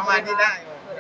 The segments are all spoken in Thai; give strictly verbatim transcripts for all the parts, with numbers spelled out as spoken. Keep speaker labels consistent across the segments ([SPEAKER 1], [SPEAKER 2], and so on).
[SPEAKER 1] มาณนี้ได้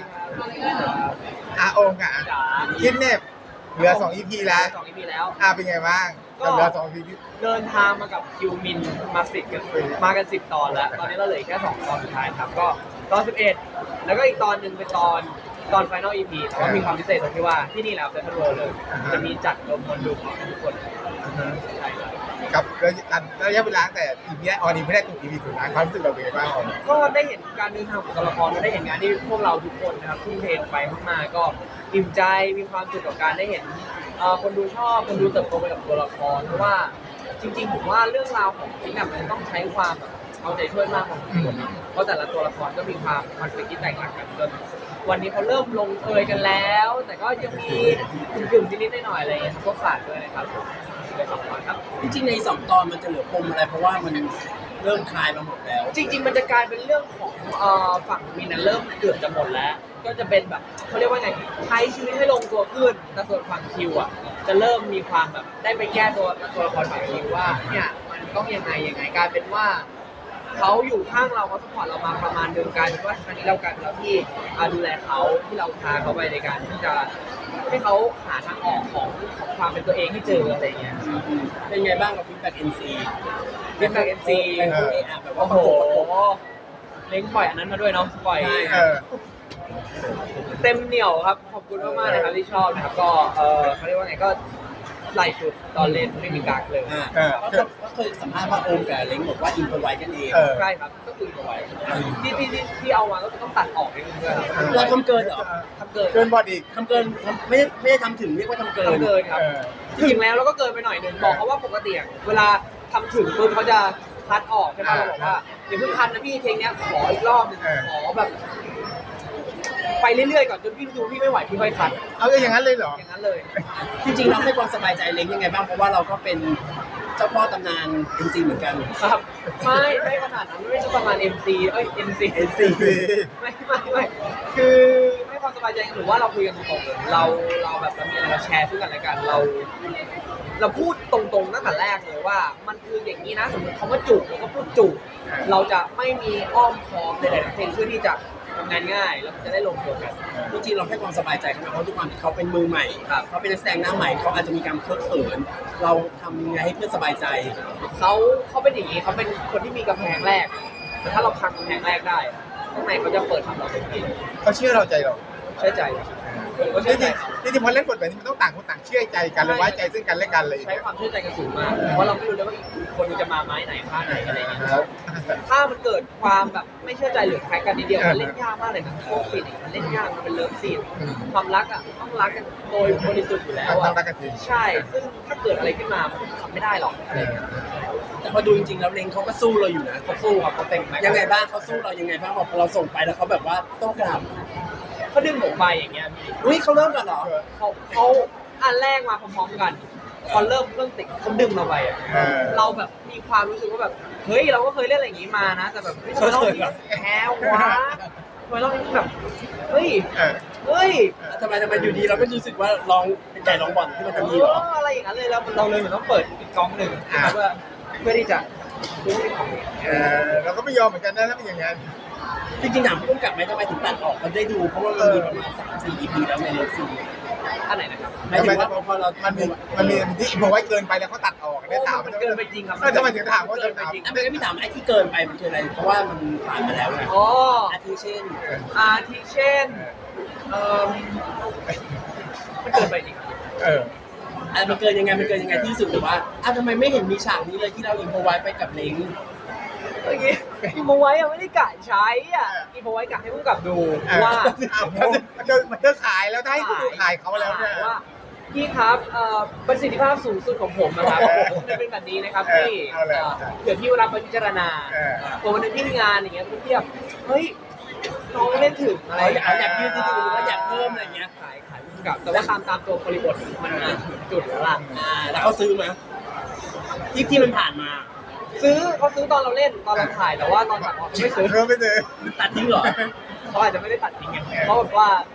[SPEAKER 1] อาโองค์อ่ะคิดเน็บเหลือสอง อี พี แล้ว
[SPEAKER 2] สอง อี พี แล้ว
[SPEAKER 1] อ่ะเป็นไงบ้างก็เหลือสอง อี พี
[SPEAKER 2] เดินทางมากับคิวมินมาสิบกันมากันสิบตอนแล้วตอนนี้เราเหลือแค่สองตอนสุดท้ายครับก็ตอนสิบเอ็ดแล้วก็อีกตอนหนึ่งเป็นตอนตอน Final อี พี แต่ว่ามีความพิเศษตรงที่ว่าที่นี่แล้วเซ็นทรัลเวิลด์เลยจะมีจัดรวมคนดูของทุกคนใช่ครับ
[SPEAKER 1] กับระยะเวลาแต่ อี พี ออนอีพีแรกถึง อี พี สุดท้ายความรู้สึกเราเป็นไงบ้างออน
[SPEAKER 2] ก็ได้เห็นการเดินทางของตัวละครและได้เห็นงานที่พวกเราทุกคนนะครับทุ่มเทไปมากๆก็อิ่มใจมีความสุขกับการได้เห็นเอ่อคนดูชอบคนดูเติบโตไปกับตัวละครเพราะว่าจริงๆผมว่าเรื่องราวของฟิกเนี่ยมันต้องใช้ความแบบเอาใจช่วยมากของทุกคนเพราะแต่ละตัวละครก็มีความคอนฟ lict ที่แตกต่างกันจนวันนี้เขาเริ่มลงเอยกันแล้ว แต่ก็ยังมีกึ่งๆนิดๆหน่อยๆอะไรอย่างเงี้ยก็ฝากด้วยนะครับเลยสองตอนครับ
[SPEAKER 3] จริงๆในสองตอนมันจะเหลือปมอะไรเพราะว่ามันเริ่มคลายมาหมดแล้ว
[SPEAKER 2] จริงๆมันจะกลายเป็นเรื่องของเอ่อฝั่งมินนะเริ่มเกือบจะหมดแล้ว ก็จะเป็นแบบเขาเรียกว่าไงใช้ชีวิตให้ลงตัวขึ้นแต่ส่วนฝั่งคิวอ่ะจะเริ่มมีความแบบได้ไปแก้ตัวตัวละครฝั่งคิวว่าเนี่ยมันต้องยังไงยังไงกลายเป็นว่าเขาอยู่ข้างเราเขาสปอร์ตเรามาประมาณนึงกลายเป็นว่าครั้งนี้เรากันเราที่ดูแลเขาที่เราพาเขาไปในการที่จะให้เขาหาทางออกของของความเป็นตัวเองให้เจออะไรอย่างเงี้ย
[SPEAKER 3] เป็นไงบ้างกับฟีดแบ็กเอ็นซี
[SPEAKER 2] เล่นแบกเอ็มซี
[SPEAKER 3] เป็นคนที่อ่ะแบบว่า
[SPEAKER 2] โอ้
[SPEAKER 3] ประ
[SPEAKER 2] โห
[SPEAKER 3] กบประกบ
[SPEAKER 2] เล้งปล่อยอันนั้นมาด้วยเนาะปล่อย
[SPEAKER 1] เออ
[SPEAKER 2] เต็มเหนียวครับขอบคุณมากๆนะครับที่ชอบนะครับก็เออเขาเรียกว่าไงก็ไหลสุดตอนเล่นไม่มีกักเลย
[SPEAKER 3] อ่า
[SPEAKER 1] เออ
[SPEAKER 3] ก็ก็เคยสัมภาษณ์ว่าโอมกับเล้งบอกว่าอินพอไว้กันเอง
[SPEAKER 1] เออ
[SPEAKER 2] ใช่ครับก็คือเอาไว้ที่ที่ที่ที่เอามาก็คือต้องตัดออกนิดนึงด้วยครับ
[SPEAKER 3] เราทำเกินเหรอ
[SPEAKER 2] ทำเกิน
[SPEAKER 1] เกินบอดอีก
[SPEAKER 3] ทำเกินทำไม่ได้ไม่ได้ทำถึงเรียกว่าทำเกิน
[SPEAKER 2] ทำเกินครับ
[SPEAKER 1] เออ
[SPEAKER 2] จริงๆแล้วเราก็เกินไปหน่อยหนึงบอกเขาว่าปกติอะเวลาทำถึงปุ๊บเขาจะคัดออกใช่ไหมเราบอกว่าเดี๋ยวเพิ่งคัดนะพี่เพลงเนี้ยขออีกรอบหนึงขอแบบ ไปเรื่อยๆก่อนจนพี่ดูพี่ไม่ไหวพี่ค่อยคัด
[SPEAKER 1] เอาอย่างนั้นเลยเหรอ
[SPEAKER 2] อย่างนั้นเลย
[SPEAKER 3] จริงๆเราให้ความสบายใจเล้งยังไงบ้างเพราะว่าเราก็เป็นเจ้าพ่อตำนานเอ็นซีเหมือนกัน
[SPEAKER 2] ครับไม่ไม่ขนาดนั้นไม่ใช่ประมาณ เอ็ม ซี เอ้ย เอ็น ซี
[SPEAKER 1] เอ็น ซี
[SPEAKER 2] ไม่ไม่ไม่คือให้ความสบายใจหรือว่าเราคุยกันตรงๆเราเราแบบเรามีอะไรมาแชร์ซึ่งกันและกันเรา เราพูดตรงๆตั้งแต่แรกเลยว่ามันคืออย่างนี้นะสมมติคำว่าจูบเราก็พูดจูบเราจะไม่มีอ้อมค้อมใดๆทั้งสิ้นเพื่อที่จะทำงานง่ายแล้วมันจะได้ลงตัวกัน
[SPEAKER 3] จริงๆเราให้ความสบายใจเขานะเพราะทุกความที่เขาเป็นมือใหม่
[SPEAKER 2] ครับ
[SPEAKER 3] เขาเป็นนักแสดงหน้าใหม่เขาอาจจะมีการเคอะเขินเราทำยังไงให้เพื่อนสบายใจ
[SPEAKER 2] เขาเขาเป็นอย่างนี้เขาเป็นคนที่มีกำแพงแรก แต่ถ้าเราพังกำแพงแรกได้ข้างในเขาจะเปิดทำเราเต็มที่
[SPEAKER 1] เขาเชื่อเราใจเรา
[SPEAKER 2] เชื่อใจผมก็
[SPEAKER 1] จ
[SPEAKER 2] เชื่อใจ
[SPEAKER 1] ริงๆจริงๆพอเล่นบทแบบนี้มันต้องต่างคนต่างเชื่อใจกันเลยไว้ใจซึ่งกันและกันเลย
[SPEAKER 2] ใช้ความเชื่อใจกันสูงมากเพราะเราไม่รู้เลยว่าอีกคนจะมาไม้ไหนท่าไหนอะไรอย่างเงี้ยแล้วถ้ามันเกิดความแบบไม่เชื่อใจหรือแคร์กันนิดเดียวมันเล่นยากมากเลยนะโคตรซีนมันเล่นยากมันเป็นเลิฟซีนความรักอ่ะต้องรักกันโดยบริสุทธิ์อยู่แล้ว
[SPEAKER 1] ต้อ
[SPEAKER 2] อ่ะ
[SPEAKER 1] งรักกันจริง
[SPEAKER 2] ใช่ ซึ่งถ้าเกิดอะไรขึ้นมามันทำไม่ได้หรอกอะไรอย่างเงี้ย
[SPEAKER 3] แต่พอดูจริงๆแล้วเล้งเขาก็สู้เราอยู่นะ
[SPEAKER 2] เขาสู้ครับเขาเต็มแม็กซ์
[SPEAKER 3] ยังไงบ้างเขาสู้เรายังไงบ้างพอเราส่งไปแล้วเขาแบบว่าต้องกลับ
[SPEAKER 2] เขาดึงผมไปอย่างเงี้ยพี่
[SPEAKER 3] อุ้ยเขาเริ่มก่อนเหรอ
[SPEAKER 2] เขาเขาอันแรกมาพร้อมๆกันพอเริ่มเครื่องติดเขาดึงเราไปอ่ะ
[SPEAKER 1] เออ
[SPEAKER 2] เราแบบมีความรู้สึกว่าแบบเฮ้ยเราก็เคยเล่นอะไรอย่างงี้มานะ แต่แบบเฮ้ยทำไมรอบนี้แพ้วะทำไมรอบนี้แบบเฮ้ย
[SPEAKER 1] เออ
[SPEAKER 2] เฮ้ย
[SPEAKER 3] ทำไมทำไมอยู่ดีเราไม่รู้สึกว่าลองเป็นไก่ลองบอลที่มันจะมีเหรอ
[SPEAKER 2] เอออะไรอย่างนั้นเลยแล้วเราเลยเหมือนต้องเปิดอีกกองหนึ่งเพื่อเพื่อที่จะรู้ที่ของ
[SPEAKER 1] เออเราก็ไม่ยอมเหมือนกันนะถ้าเป็นอย่างนั้น
[SPEAKER 3] จริงๆถามผู้กำกับไหมทำไมถึงตัดออกมันได้ดูเพราะว่ามันมีประมาณสามสี่ อี พีแล้วในเลิฟซีน
[SPEAKER 2] อันไหนนะครับ
[SPEAKER 3] หมายถึงว่าพอเรา
[SPEAKER 1] มันมีมันมีที่พอไว้เกินไปแล้วเขาตัดออกได้ถาม
[SPEAKER 2] มันเกินไปจริงครับ
[SPEAKER 1] เออทำไมถึงถามว่า
[SPEAKER 2] เกิ
[SPEAKER 1] จะ
[SPEAKER 2] นไป
[SPEAKER 1] ถาม
[SPEAKER 2] จริง
[SPEAKER 3] อ่ะไม่งั้นพี่ถามไอ้ที่เกินไปมันคืออะไรเพราะว่ามันผ่านมาแล้วไง
[SPEAKER 2] อ๋อ
[SPEAKER 3] อาทิเช่น
[SPEAKER 2] อาทิเช่นเอ่อมันเกินไปจริง
[SPEAKER 1] เออ
[SPEAKER 3] อ่ะมันเกินยังไงมันเกินยังไงที่สุดหรือว่าอ่ะทำไมไม่เห็นมีฉากนี้เลยที่เราอินโฟไว้ไปกับเล้ง
[SPEAKER 2] เมื่อกี้อีโมไว้อะไม่ได้กะใช้อ่ะอีโมไว้กะให้ผู้กำกับดูว่า
[SPEAKER 1] มันจะมันจะขายแล้วถ้าให้คุณดูขายเขาแล้วเนี่ย
[SPEAKER 2] ว่าพี่ครับเอ่อประสิทธิภาพสูงสุดของผมนะครับมันเป็นแบบนี้นะครับพี่
[SPEAKER 1] เอาเลย
[SPEAKER 2] เอ่อเดี๋ยวพี่รับไปพิจารณา
[SPEAKER 1] เออ
[SPEAKER 2] ตัววันนึงที่มีงานอย่างเงี้ยพี่เทียบเฮ้ยน้องเล่นถึงอะไร
[SPEAKER 3] เราอยากอยากยืดที่ดูหรือว่าอยากเพิ่มอะไรเงี้ย
[SPEAKER 2] ขายขายผู้กำกับแต่ว่าตามตามตัวบริบทมันถึงจุดแล้วล่ะ
[SPEAKER 3] อ่าแล้วเขาซื้อไหมที่ที่มันผ่านมา
[SPEAKER 2] ซื้อเขาซื้อตอนเราเล่นตอนเราถ่ายแต่ว่าตอนตัดออกเขาไม่ซื้อ
[SPEAKER 1] เริ่มไม่เจอ
[SPEAKER 3] ตัดทิ้งเหรอ
[SPEAKER 2] เขาอาจจะไม่ได้ตัดทิ้งไงเขาแบบว่า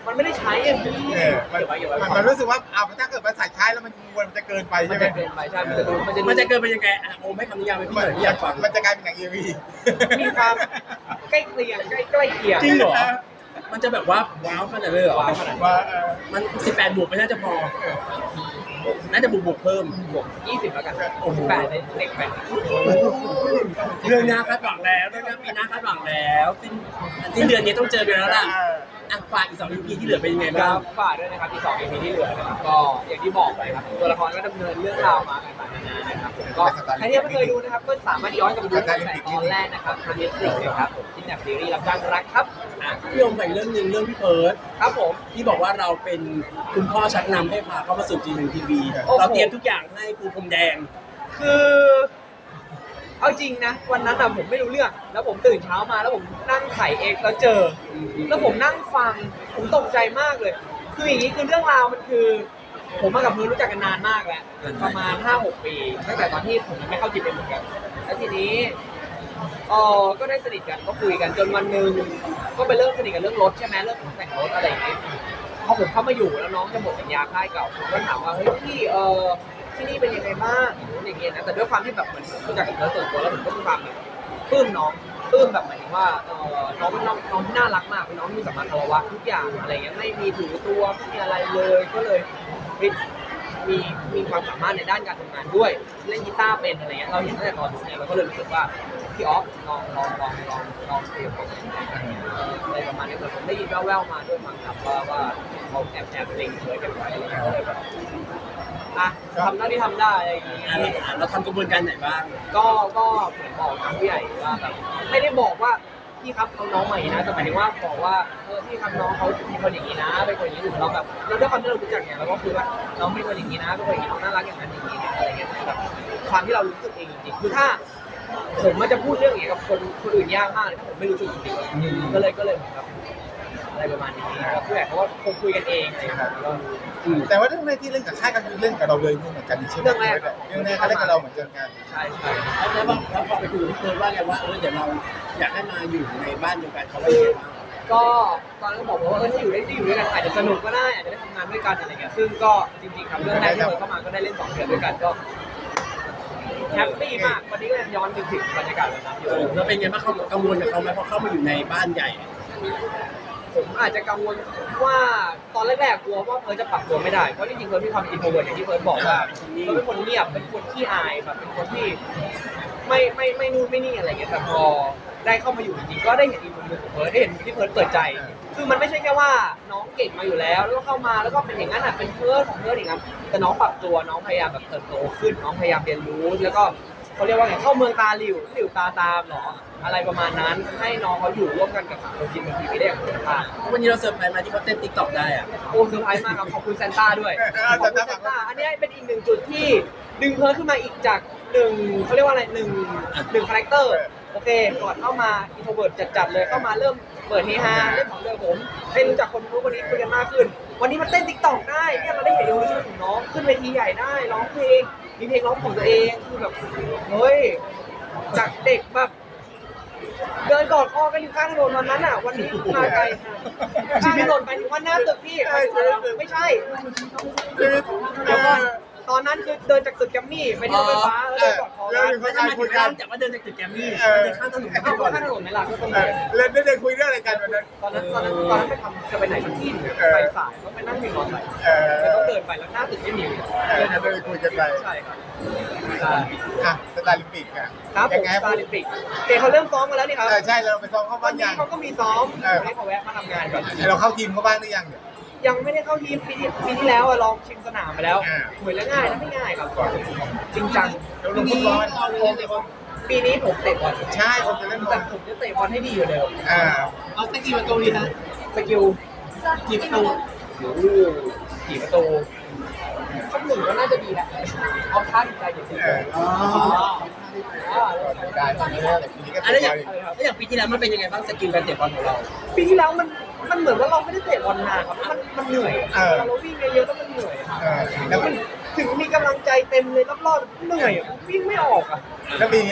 [SPEAKER 2] มันไม่ได้ใช้อ่ะ
[SPEAKER 1] เออมัน
[SPEAKER 2] เก็บไว้เก็บไว้
[SPEAKER 1] มันมันรู้สึกว่าเอาถ้าเกิดมันใส่ใช้แล้วมันมันจะเกินไป
[SPEAKER 2] มั
[SPEAKER 1] ใช่
[SPEAKER 2] น
[SPEAKER 1] ไหม
[SPEAKER 2] จะเกินไปใช่มันจะดูมันจะดู
[SPEAKER 3] มันจะเกินไปยังไงอ่ะโอมให้คำนิยามไปพี่หน่อยพี่อยากฟัง
[SPEAKER 1] มันจะกลายเป็นหนังเอวี
[SPEAKER 2] มีความใกล้เคียงใกล้ใกล้เคียง
[SPEAKER 3] จริงเหรอ มันจะแบบว่าว้าวขนาดเลยเหรอ
[SPEAKER 2] ว้าวขนาด
[SPEAKER 1] ว่าเออ
[SPEAKER 3] มันสิบแปดบวกไม่น่าจะพอ น่าจะบวกบวกเพิ่ม
[SPEAKER 2] บวกยี่สิบแล้วกันแปดเด็กแปด
[SPEAKER 3] เรื่องหน้าคาดหวังแล้วเรื่องหน้าปีหน้าคาดหวังแล้วสิ้นสิ้นเดือนนี้ต้องเจอกันแล้วล่ะ
[SPEAKER 1] เออ
[SPEAKER 3] อ่ะฝากอีกสอง อี พี ที่เหลือเป็นยังไง
[SPEAKER 2] ค
[SPEAKER 3] บ้า
[SPEAKER 2] รั
[SPEAKER 3] ง
[SPEAKER 2] บฝากด้วยนะครับอีกสอง อี พี ที่เหลือนะครับก็อย่างที่บอกไปครับตัวละครก็ดำเนินเรื่องราวมาต่างๆนานานะครับผมก็ใครที่ยังไม่เคยดูนะครับก็สามารถย้อนกลับไปดูตั้งแต่ตอนแรกนะครับทาง Netflix นะครับผมที่แนบซีรีส์รับจ้างรักครับ
[SPEAKER 3] อ่ะพี่โอมใส่เรื่องหนึ่งเรื่องพี่เพิร์ด
[SPEAKER 2] ครับผม
[SPEAKER 3] ที่บอกว่าเราเป็นคุณพ่อชักนำให้พาเข้ามาสู่จีนทีวี
[SPEAKER 2] โอ้โห
[SPEAKER 3] เราเตรียมทุกอย่างให้ครูพรมแดง
[SPEAKER 2] คือเอาจริงนะวันนั้นอะผมไม่รู้เรื่องแล้วผมตื่นเช้ามาแล้วผมนั่งไถเอ็กซ์แล้วเจอ แล้วผมนั่งฟังผมตกใจมากเลย คืออย่างนี้คือเรื่องราวมันคือ ผมมากับมือรู้จักกันนานมากแล้วประมาณ ห้าหก ปีตั้งแต่ตอนที่ผมยังไม่เข้าจิตเป็นเหมือนกันแล้วทีนี้เออก็ได้สนิทกันก็คุยกันจนวันหนึ่งก็ไปเริ่มสนิทกันเรื่องรถใช่ไหมเรื่องของแต่งรถอะไรอย่างเงี้ยพอผมเข้ามาอยู่แล้วน้องจะหมดสัญญาค่ายเก่าผมก็ถามว่าเฮ้ยพี่เออที่นี่เป็นยังไงบ้างอย่างเงี้ยนะแต่ด้วยความที่แบบเหมือนผมรู้จักกันแล้วส่วนตัวแล้วผมก็มีความแบบปลื้มน้องปลื้มแบบหมายถึงว่าเออน้องเป็นน้องน้องที่น่ารักมากเป็นน้องที่มีสัมมาคารวะทุกอย่างอะไรเงี้ยไม่มีถือตัวไม่มีอะไรเลยก็เลย มีมีความสามารถในด้านการทำงานด้วยเล่นกีตาร์เป็นอะไรเงี้ยเราเห็นตั้งแต่ตอนนี้เราก็เลยรู้สึกว่าพี่ออฟลองลองลองลองลองคุยกับผมอะไรประมาณนี้ผมได้ยินแว่วๆมาด้วยมั้งครับว่าว่าเขาแอบแอบเล็งเคยกันไว้อะไรเงี้ยก็เลยแบบอ่ะทำหน้าที่ทำได้อะไรอย่างเงี้ย
[SPEAKER 3] อ่ะเราเราทำกระบวนการไหนบ้าง
[SPEAKER 2] ก็ก็เหมือนบอกทางผู้ใหญ่ว่าแบบไม่ได้บอกว่าพี่ครับเอาน้องมาอย่างนี้นะแต่หมายถึงว่าบอกว่าเออพี่ครับน้องเขาเป็นคนอย่างนี้นะเป็นคนอย่างนี้ถึงเราแบบเราด้วยความที่เรารู้จักเนี่ยเราก็คือว่าน้องเป็นคนอย่างนี้นะเป็นคนอย่างนี้น้องน่ารักอย่างนั้นอย่างนี้อะไรเงี้ยแบบความที่เรารู้สึกเองจริงๆคือถ้าผมมันจะพูดเรื่องอย่างเงี้ยกับคนคนอื่นยากมากเลยถ้าผมไม่รู้สึกจริงๆก็เลยก็เลยเหมือนกับอะไรประมาณนี้ก็ผู้ใหญ่เขาก็คงคุยกันเองอะไรอย่างเงี้ยก็
[SPEAKER 1] แต่ว่าเรื่องแรกที่เล่นกับค่ายก็คือเล่นกับเราเลยเหมือนกันใช่ไหม
[SPEAKER 2] เรื่องแรก
[SPEAKER 1] เรื่องแรกเขาเล่นกับเราเหมือนกัน
[SPEAKER 2] ใช่ใช่
[SPEAKER 3] แล้วพอแล้วพอไปคุยกับพี่เพิร์ดว่าไงว่าเออเดี๋ยวเราอยากให้มาอยู่ในบ้านเดียวกันเขาว่ายังไงบ้าง
[SPEAKER 2] ก็ตอนนั้นก็บอกว่าเออถ้าอยู่ได้ที่อยู่ด้วยกันอาจจะสนุกก็ได้อาจจะได้ทำงานด้วยกันอะไรเงี้ยซึ่งก็จริงๆครับเรื่องแรกที่เปิดเข้ามาก็ได้เล่นสองเดือนด้วยกันก็แฮปปี้มากวันนี้ก็ยังย้อนนึกถึงบรรยากาศวันนั้นอยู่
[SPEAKER 3] แล้วเป็นไงบ้างเขากังวลกับเขาไหมพอเข้ามาอยู่ในบ้านใหญ่
[SPEAKER 2] ผมอาจจะกังวลว่าตอนแรกๆกลัวว่าเพิร์ทจะปรับตัวไม่ได้เพราะจริงๆเพิร์ทมีความอินโทรเวิร์ตอย่างที่เพิร์ทบอกว่าเพิร์ทเป็นคนเงียบเป็นคนขี้อายแบบเป็นคนที่ไม่ไม่ไม่นู่นไม่นี่อะไรเงี้ยแต่พอได้เข้ามาอยู่จริงๆก็ได้เห็นอีกมุมหนึงของเพิร์ทได้เห็นที่เพิร์ทเปิดใจ คือมันไม่ใช่แค่ว่าน้องเก่งมาอยู่แล้วแล้วก็เข้ามาแล้วก็เป็นอย่างนั้นอ่ะเป็นเพิร์ทของเพิร์ทอย่างนั้นแต่น้องปรับตัวน้องพยายามแบบเติบโตขึ้นน้องพยายามเรียนรู้แล้วก็เขาเรียกว่าไงเข้าเมืองตาหลิวหลิวตาตามเหรออะไรประมาณนั้นให้น้องเขาอยู่ร่วมกันกับสังคมจริงบางทีไม่ได้อย่างคุณภาพ
[SPEAKER 3] วันนี้เราเซอร์ไพรส์มาที่เขาเต้นติ๊กต็อกได้อะ
[SPEAKER 2] โอ้เซอร์ไพรส์มากครับขอบคุณแซนต้าด้วยขอบคุณแซนต้าอันนี้เป็นอีกหนึ่งจุดที่ดึงเพิร์ทขึ้นมาอีกจากหนึ่งเขาเรียกว่าอะไรหนึ่งหนึ่งคาแรคเตอร์โอเคก่อนเข้ามาอินโทรเวิร์ตจัดๆเลยเข้ามาเริ่มเปิดเฮฮาเล่นของเดิมผมได้รู้จักคนรู้นคนนี้คุยกันมากขึ้น วันนี้มันเต้นติ๊กต็อกได้เนี่ยเราได้เห็นอินโนเวชั่นของน้องขึ้นเวทีใหญ่ได้ร้องเพลงมีเพลงร้องของตัวเองคือแบบเฮ้ยจากเด็กแบบเดินกอดคอกันอยู่ข้างถนนวันนั้นอ่ะวันนี้มาไกลข้างถนนไปถึงวันหน้าตึกพี่ไม่ใช่เดี๋ยวก่อนตอนนั้นคือเดินจากตึกแกรมมี่ไปที่รถไฟฟ้าแล้วเดินกอดคอกัน
[SPEAKER 3] ไม่ทำไมถึงเริ่มจากว่าเดินจากตึกแกรมมี่เดินข้ามถนนไป
[SPEAKER 2] เข้า
[SPEAKER 3] ก่อน
[SPEAKER 2] ข้างถนนไหมล่ะก็ต้อง
[SPEAKER 1] เอ
[SPEAKER 2] เดิ
[SPEAKER 1] อน เล่นได้คุยเรื่องอะไรกันวันนั้น
[SPEAKER 2] ตอนนั้นตอนนั้นตอนนั้นไปทำจะไปไหนสักที่หนึ่งไปสายก็ไปนั่งวินมอเตอร์ไซค์
[SPEAKER 1] เออ
[SPEAKER 2] แล้วต้องเดินไปแล้วหน้าตึกไม่มี
[SPEAKER 1] เออจะได้คุยกันไป
[SPEAKER 2] ใช่ครับ
[SPEAKER 1] อ่ะสตาร์ลิมปิกอ่ะ
[SPEAKER 2] ครับผ
[SPEAKER 1] ยั
[SPEAKER 2] ม
[SPEAKER 1] งไง
[SPEAKER 2] สตาร์ลิมปิกเตะเขาเริ่มซ้อมมาแล้วนี่ครับ
[SPEAKER 1] เออใช่เราไปซ้อมเข้า
[SPEAKER 2] วั
[SPEAKER 1] บ้าน น
[SPEAKER 2] นี้
[SPEAKER 1] ยัง
[SPEAKER 2] เขาก็มีซ้อม
[SPEAKER 1] เออ
[SPEAKER 2] วันนี้เขาแวะมาทำงานก่อน
[SPEAKER 1] เราเข้าทีมเขาบ้างหรือยังเนี่ย
[SPEAKER 2] ยังไม่ได้เข้าทีมปีที่ปีที่แล้วอะลองชิงสนามไปแล้ว
[SPEAKER 1] อ่า
[SPEAKER 2] เหมือนแล้วง่ายนะไม่ง่ายครับจริงจัง
[SPEAKER 1] เราลงฟุตบอล
[SPEAKER 2] ปีนี้ผมเตะบอล
[SPEAKER 1] ใช่ผมจะเล่นบอ
[SPEAKER 2] แต่
[SPEAKER 1] ล
[SPEAKER 2] ผมจะเตะบอลให้ดีกว่าเดิม
[SPEAKER 1] อ่า
[SPEAKER 3] เอาสักกี่ประตูดีฮะ
[SPEAKER 2] สกิล
[SPEAKER 3] กี่ประตู
[SPEAKER 2] โอ้โหกี่ประตูสักหนึ่งก็น่าจะดีแหละเอาท่าดีใจอย่างจริง
[SPEAKER 1] เออ
[SPEAKER 3] อ๋อ
[SPEAKER 2] อ่า
[SPEAKER 1] ได้ตอนนี้แต่ปีนี้ก็
[SPEAKER 3] อะ
[SPEAKER 1] เตะ
[SPEAKER 3] แล้วอบ ย่า
[SPEAKER 1] อง ล
[SPEAKER 3] แล้วอย่างปีที่แล้วมันเป็นยังไงบ้างสกิลการเตะบอลของเรา
[SPEAKER 2] ปีที่แล้วมันมันเหมือนว่าเราไม่ได้เตะบอลนานครับมันมันเหนื่อย
[SPEAKER 1] เออ
[SPEAKER 2] เราวิ่งเยอะๆแล้วมันเหนื่อยครับ
[SPEAKER 1] เออแล้ว
[SPEAKER 2] มันถึงมีกำลังใจเต็มเลยรอบๆเหนื่อยอะวิ่งไม่ออกอ่ะ
[SPEAKER 1] แล้วปีเนี้ย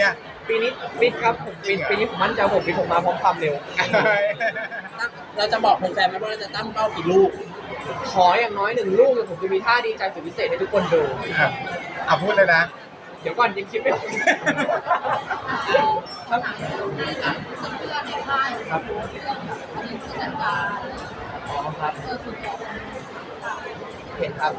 [SPEAKER 2] ปีนี้ฟิตครับผมฟิตปีนี้ผมมั่นใจผมฟิตผมมาพร้อมความเร็ว
[SPEAKER 3] ตั้งเราจะบอกแฟนๆไหมว่าเราจะตั้งเป้ากี่ลูก
[SPEAKER 2] ขออย่างน้อยหนึ่งลูกแต่ผมจะมีท่าดีใจสุดพิเศษให้ทุกคนดู
[SPEAKER 1] อ่ะพูดเลยนะ
[SPEAKER 2] เดี๋ยวก่อนยังคิดไม่ออกครับครับอ๋อครับเห็นครับ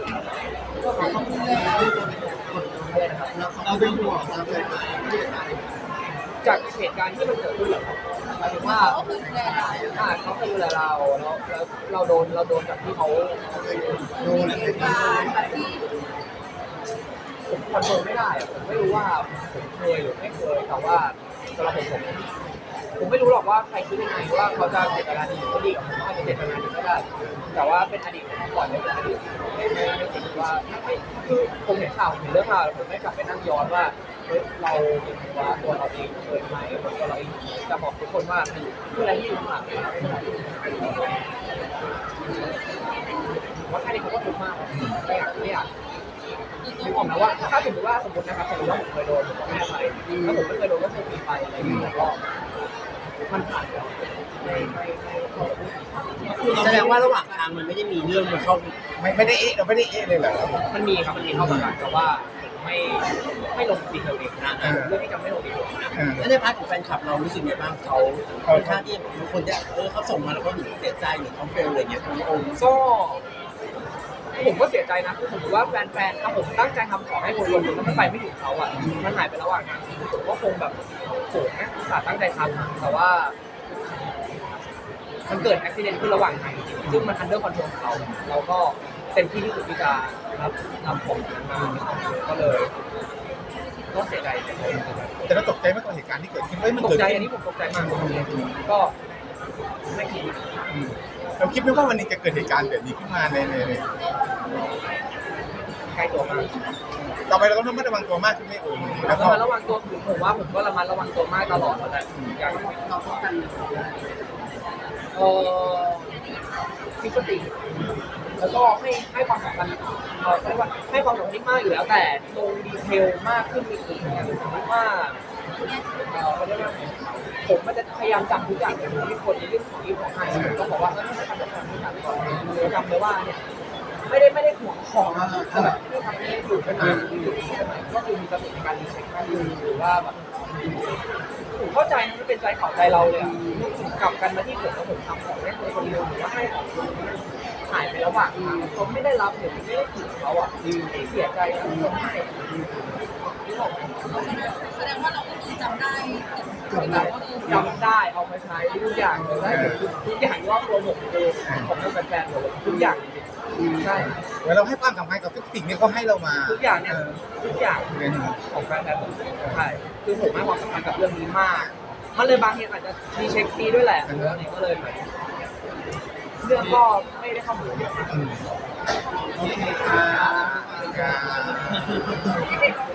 [SPEAKER 2] อะไรนะครับ
[SPEAKER 1] เราเป็นห่วงเราเป็น
[SPEAKER 2] จากเหตุการณ์ที่มันเกิดขึ้นเหรอครับหมายถึงว่าอ่าเขาเคยดูแลเราแล้วแล้วเราโดนเราโดนจากที่เขา
[SPEAKER 1] ดูแลเป็น
[SPEAKER 2] ผมคอนโทรลไม่ได้อะผมไม่รู้ว่าผมเคยหรือไม่เคยแต่ว่าสำหรับผมผมผมไม่รู้หรอกว่าใครคิดยังไงว่าเขาจะเจตนาดีหรือไม่ดีกับผมอาจจะเจตนาดีก็ได้ แต่ว่าเป็นอดีตผมก่อนเลยเป็นอดีตไม่ไม่ไม่คิดว่าไม่คือผมเห็นข่าวเห็นเรื่องข่าวผมไม่กลับไปนั่งย้อนว่าเฮ้ยเราเป็นว่าตัวเราเองเคยไหมตัวเราเองจะบอกทุกคนว่าคืออะไรที่อยู่ข้างหลังว่าแค่นี้เขาก็ทุกข์มากไม่อยากไม่อยากนึกออกนะว่าถ้าสมมติว่าสมมตินะครับสมมติว่าผมเคยโดนผมก็ไม่ไปถ้าผมไม่เคยโดนก็คงมีไปอะไรอย่างเงี้ยก็มันผ่านแล้วไม่ไม่ไม่ขอพูด
[SPEAKER 3] แสดงว่าระหว่างทางมันไม่ได้มีเรื่องมาเข้า
[SPEAKER 1] ไม่ไม่ได้เอ๊ะเราไม่ได้เอ๊ะเลยเหรอ
[SPEAKER 2] มันมีครับมันมีเข้ามากันแต่ว่าไม่ไม่ลงดีเทลเองนะ
[SPEAKER 1] อ่า
[SPEAKER 2] เรื่องที่จะไม่ลงดีเทล
[SPEAKER 1] อ่า
[SPEAKER 3] แล้วในพาร์ทของแฟนคลับเรารู้สึกไงบ้างเขาค่อนข้างที่บางคนจะเออเขาส่งมาแล้วเขาเสียใจหรือเขาเฟลอะไรเงี้ยคุณโอม
[SPEAKER 2] ก็ผมก็เสียใจนะคือผมว่าแฟนๆถ้าผมตั้งใจทำของให้คนคนหนึ่งแล้วมันไปไม่ถึงเขาอ่ะมันหายไประหว่างทางผมก็คงแบบโหนะอุตส่าห์ตั้งใจทำแต่ว่า มันเกิดอุบิเหตุขึ้นระหว่างทางจริงๆซึ่งมันอันเดอร์คอนโทรลของเราเราก็เต็มที่ที่สุดที่จะรับนำของนั้นมาก็เลยก็เสียใจเสียใจ
[SPEAKER 1] แต่เราตกใจไหมกับเหตุการณ์ที่เกิดขึ้นเฮ้ยมัน
[SPEAKER 2] ตก
[SPEAKER 1] เกิด
[SPEAKER 2] ใจ
[SPEAKER 1] ขึ้
[SPEAKER 2] อัน
[SPEAKER 1] น
[SPEAKER 2] นี้ผมตกใจมากก็ไม่คิด
[SPEAKER 1] อืมเราคิดไหมว่าวันนี้จะเกิดเหตุการณ์แบบนี้ขึ้นมาในในใน
[SPEAKER 2] ใกล้ตัวมาก
[SPEAKER 1] ต่อไปเราต้องระมัดระวังตัวมากขึ้นไหมโอ้ยแล้วก็
[SPEAKER 2] ระมัดระวังตัวคือผมว่าผมก็ระมัดระวังตัวมากตลอดแล้วแหละอย่างเราป้องกันเอ่อมีสติแล้วก็ให้ให้ความสำคัญเอ่อเรียกว่าให้ความสำคัญมากอยู่แล้วแต่ลงดีเทลมากขึ้นอีกอย่างสมมติว่าเอ่อเขาเรียกว่าผมมันจะพยายามจำทุกอย่างในที่คนในเรื่องของอีฟของไฮผมต้องบอกว่าถ้าไม่ทำแบบนั้นไม่ทำก่อนจำเลยว่าเนี่ยไม่ได้ไม่ได้ห่วงของแต่แบบที่ทำให้อยู่เป็นอยู่อยู่เป็นไหนก็คือมีสติในการรีเช็คมากขึ้นหรือว่าแบบผมเข้าใจนะมันเป็นใจเขาใจเราเลยอ่ะกลับกันมาที่ผมแล้วผมทำของให้คนคนเดียวหรือว่าให้ของคนหายไประหว่างทางเขาไม่ได้รับหรือไม่ได้ถึงเขาอ่ะเสียใจนะคนให้
[SPEAKER 4] แสดงว่าเราก็คือจำได้
[SPEAKER 2] จำได้จำได้เอามาใช้ทุกอย่างเลยได้ทุกอย่างรอบตัวผมคือของทั้งแฟนๆหมดเลยทุกอย่างจริงๆใช่
[SPEAKER 1] เหมือนเราให้ความสำคัญกับทุกสิ่งที่เขาให้เรามา
[SPEAKER 2] ทุกอย่างเนี่ยทุกอย่างของแฟนๆผมใช่คือผมให้ความสำคัญกับเรื่องนี้มากมันเลยบางทีอาจจะมีเช็คดีด้วยแหละเรื่องนี้ก็เลยแบบเรื่องก็ไม่ได้เข้าหูเยอะ
[SPEAKER 1] โอเคค่ะ